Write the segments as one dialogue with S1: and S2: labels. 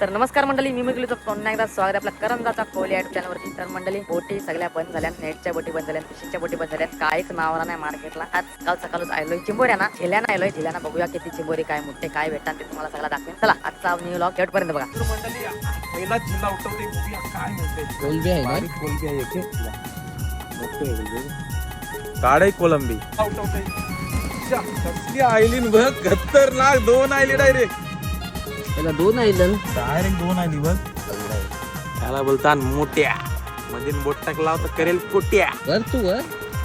S1: तर नमस्कार मंडळी, मी मिगलूचं पुन्हा एकदा स्वागत आहे आपल्या करंजाचा कोहली युट्यूब चॅनलवरती. तर मंडळी, बोटी सगळ्या बंद झाल्या, नेटच्या बोटी बंद झाल्या, फिशिंगच्या बोटी बंद झाल्या, काहीच नावरा नाही मार्केटला. आज काल सकाळच आलोय चिंबोऱ्याना, झेल्याना आलोय. झेल्याना बघूया किती चिंबोरी काय मोठे काय भेटतात ते तुम्हाला सगळं दाखवेन. चला आजचा न्यू व्लॉग शेवटपर्यंत बघा.
S2: तर मंडळी पहिला जिल्हा उठवते बघूया काय म्हणते.
S3: कोलंबी आहे ना?
S2: बारीक कोलंबी आहे इथे. मोठे आहे काढाई कोलंबी उठवते. कसली आयलीन बघ, खतरनाक. दोन आयली डायरेक्ट
S3: दोन आयलं
S2: डायरेक्ट दोन आयली बघ. त्याला बोलतात मोठ्या म्हणजे बोट टाकला तर करेल कोट्या.
S3: वर तू वर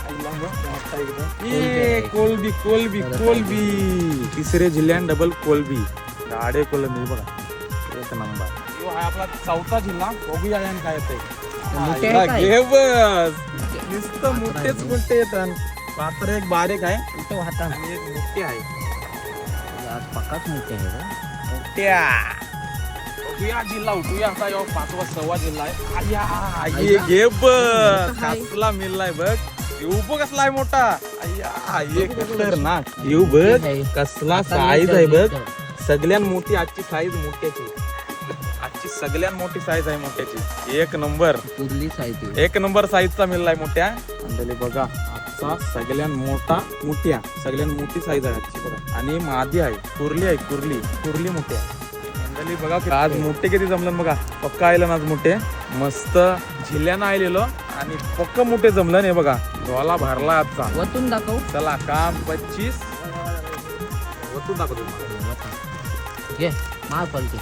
S2: कोलबी कोलबी कोलबी तिसरे जिल्ह्यात डबल कोलबी. गाडे कोलंबी बघा, एक नंबर. यो हा आपला चौथा जिल्हा. बघूया यान काय
S3: मोठे
S2: येतंय.
S3: आहे काय?
S2: घे बस, नुसतं मोठेच मोठे येतात. पात्र एक बारीक आहे
S3: कुठं वाहता
S2: आणि एक मोठे आहे.
S3: आज पक्काच मोठे आहे रे.
S2: मोठ्या बघूया जिल्हा उठूया आता. यो 5वा 6वा जिल्हा आहे. आया ये घे बस, कसला मिळलाय बघ. येऊ बघ कसला आहे मोठा. आया ये खतरनाक. येऊ बघ कसला साईज आहे बघ. सगळ्यात मोठी आजची साईज मोठ्याची. आजची सगळ्यात मोठी साईज आहे मोठ्याची. एक नंबर
S3: कुर्ली साईज
S2: एक नंबर साईजचा मिळलाय मोठ्या. मंडळी बघा, आजचा सगळ्यात मोठा मोठ्या सगळ्यात मोठी साईज आहे आजची बघा. आणि मादी आहे, कुर्ली आहे, कुर्ली कुर्ली मोठ्या. मंडळी बघा आज मोठे किती जमलं बघा. पक्का आयलं आज मोठे मस्त झिल्यानं आलेलो आणि पक्क मोठे जमलं नाही बघा. डोला भरला आजचा.
S3: वतून दाखव.
S2: चला काम 25 वतून दाखवतो.
S3: घे मार पलटी.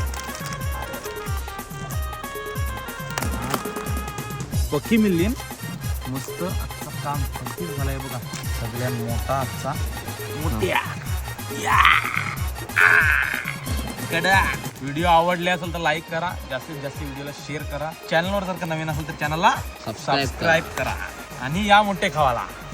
S2: पक्की मिळली मस्त. आजचा काम 25 झालंय बघा. सगळ्यात मोठा आजचा मोठ्या. व्हिडिओ आवडले असेल तर लाईक करा, जास्तीत जास्त व्हिडिओला शेअर करा. चॅनलवर जर का नवीन असेल तर चॅनलला
S3: सबस्क्राईब
S2: सबस्क्राईब करा आणि या मोठे खावाला.